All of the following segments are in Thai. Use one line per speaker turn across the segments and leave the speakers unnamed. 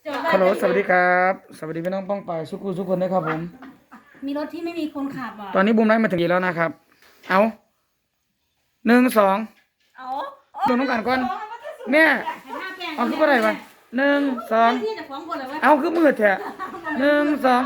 ฮัลโหลสวัสดีครับสวัสดีพี่น้องป้องปายทุกคนนะครับผม
มีรถที่ไม่มีคนขับอ่ะ
ตอนนี้บูมไลฟ์มาถึงกี่แล้วนะครับเอา1 2
เอา
ดูน้องกันก่อนแม่เอาคืออะไรวะ1 2
ที่จะฟ้องคนเลยว่า
เอาคือมืดแท้1 2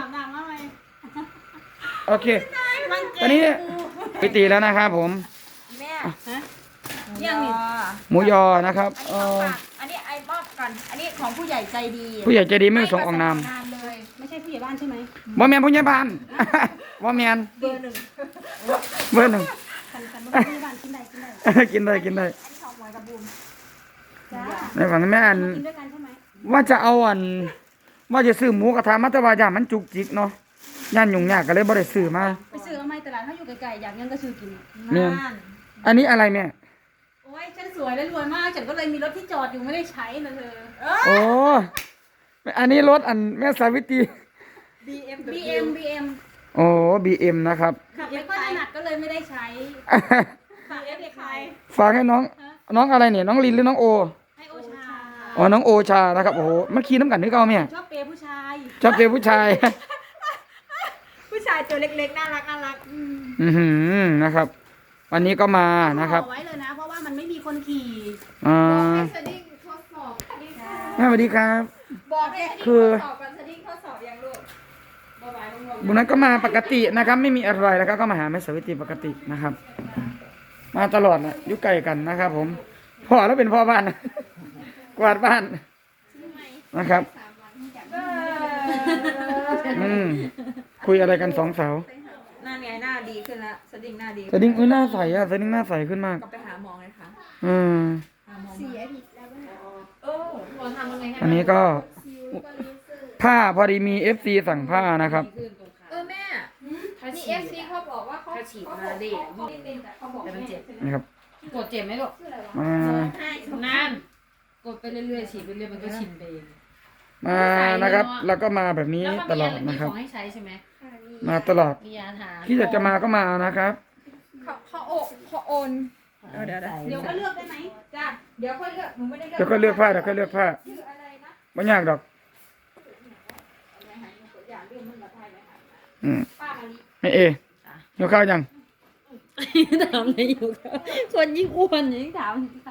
โอเคตอนนี้ไปตีแล้วนะครับผม
แม่
ยังนี่
หมูยอนะครับ
อันนี้ไอ้มอบก่อนอันนี้ของผู้ใหญ่ใจดี
ผู้ใหญ่ใจดีไม่ประสงค์ออกนาม
นานเลย
ไม่ใช่ผู้ใหญ่บ้านใช่ไหม
บ่แมนผู้ใหญ่บ้าน บ่แมน
เบอร์หนึ่ง
เบอร์หนึ่ง
คันว่าผู้ใหญ่บ้านกินได้
กินได้กินได้
อันนี้ของหมวยกับบูม
จ้า
ในฝั่งแม่อัน
กินด้วยกันใช่ไหม
ว่าจะเอาว่าจะซื้อหมูกระทะมาแต่ว่าอย่างมันจุกจิกเนาะย่านยุ่งยากก็เลยบ่ได้ซื้อมา
ไปซื้อเอาไหมตลาดถ้าอยู่ไกลๆอยากยังก็ซื้อกิน
เนี่ย
นั่น
อันนี้อะไรแม่
โอ้ยฉันสวยและรวยมากฉันก็เลยมีรถที่จอดอยู่ไม่ได้ใช้นะเธอ
โอ้อันนี้รถอันแม่สาวิตรี
BM
โอ้BM นะครับ
ขับไม่ค่อยถนัดก็เลยไม่ได้ใช้ฝากเอฟใคร
ฝากให้น้องอะไรเนี่ยน้องลินหรือน้องโอ
ให้โอชา
อ๋อน้องโอชานะครับโอ้โหมันขี่น้ำกันนึกเอาแม่
ชอบเปย์ผู้ชาย
ชอบเป็นผู้ชาย
ผู้ชายตัวเล็กๆน่ารัก
นะครับ วันนี้ก็มานะครับ
เอาไว้เลยนะเพราะว่ามันไม่มีคนขี่
อ่า
ให้สดิ้งทดสอบ
แม่สวัสดีครับ
บอกให้สดิ้ง
คือ
ทดสอบกันสดิ้งทดสอบยังลูก
บุญนั้นก็มาปกตินะครับ ไม่มีอะไรนะครับ ก็มาหาแม่สาวิตรีปกตินะครับ มาตลอดนะอยู่ไกลกันนะครับ ผมพ่อแล้วเป็นพ่อบ้าน กวาดบ้านนะครับคุยอะไรกันสองสาว
หน้าไงหน้าดีขึ้นแล้วสดิ้งหน้าดี
สดิ้งหน้าใสอะสดิ้งหน้าใสขึ้นมาก
กลับไปหาหมอเลยค่ะ
อืม
หาหมอเสียผิดแล้วหมอทำยังไงให้
อันนี้ก็ผ้าพอดีมี FC สั่งผ้านะครับ
แม่นี่เอฟซีเขาบอกว่าเขาฉีดมาดิเขาบอก
แต่มันเจ็บ
นะครับ
กดเจ็บไหมลูก
มา
นานกดไปเรื่อยๆฉีดไปเรื่อยมันก็ชินไปเอง
มานะครับ แล้วก็มาแบบนี้ตลอดนะครับ
ของให้ใช้ใช่ไหม
มาตลอด
มียาทา
ที่อยากจะมาก็มานะครับ
เขาโอนเดี๋ยว
เดี๋ยวก็เลือกได้ไหม
จ้าเดี๋ยวค่อยเลือกหนูไม่ได้เลือก
เดี๋ยวก็เลือกผ้าเดี๋ยวก็เลือกผ้า
ชื่ออะไรนะ
ไม่ยากดอกไม่เอเดี๋ยวข้าวยัง
ถามอะไรอยู่คนยิ่งอ้วนยิ่งถาม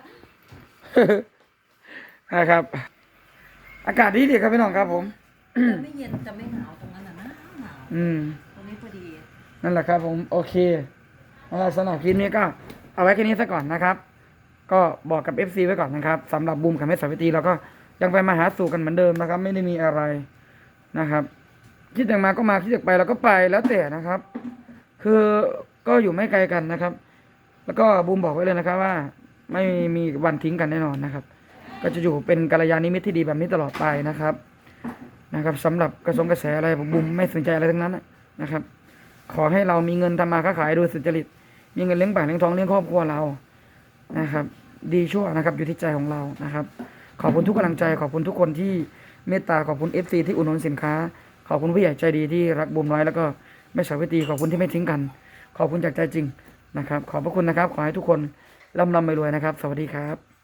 นะครับ อากาศดีดีครับพี่น้องครับผม
จะไม่เย็นจะไม่หนาวตรงนั้นน่ะนะหนาว ตรงนี้พอดี
นั่นแหละครับผมโอเคสำหรับคลิปนี้ก็เอาไว้แค่นี้ซะก่อนนะครับ ก็บอกกับ FC ไว้ก่อนนะครับสำหรับบูมกับแม่สาวิตรีเราก็ยังไปมาหาสู่กันเหมือนเดิมนะครับ ไม่ได้มีอะไรนะครับ คิดอยากมาก็มาคิดอยากไปเราก็ไปแล้วแต่นะครับ คือก็อยู่ไม่ไกลกันนะครับ แล้วก็บูมบอกไว้เลยนะครับว่า ไม่มีวันทิ้งกันแน่นอนนะครับ ก็จะอยู่เป็นกัลยาณมิตรที่ดีแบบนี้ตลอดไปนะครับสำหรับกระแสอะไรผมบูมไม่สนใจอะไรทั้งนั้นนะครับ ขอให้เรามีเงินทำมาค้าขายโดยสุจริตมีเงินเลี้ยงปากเลี้ยงท้องเลี้ยงครอบครัวเรานะครับ ดีชั่วนะครับอยู่ที่ใจของเรานะครับ ขอบคุณทุกกำลังใจขอบคุณทุกคนที่เมตตาขอบคุณ FC ที่อุดหนุนสินค้า ขอบคุณผู้ใหญ่ใจดีที่รักบูมน้อยแล้วก็แม่สาวิตรีขอบคุณที่ไม่ทิ้งกัน ขอบคุณจากใจจริงนะครับ ขอบพระคุณนะครับ ขอให้ทุกคนร่ำรวยๆนะครับ สวัสดีครับ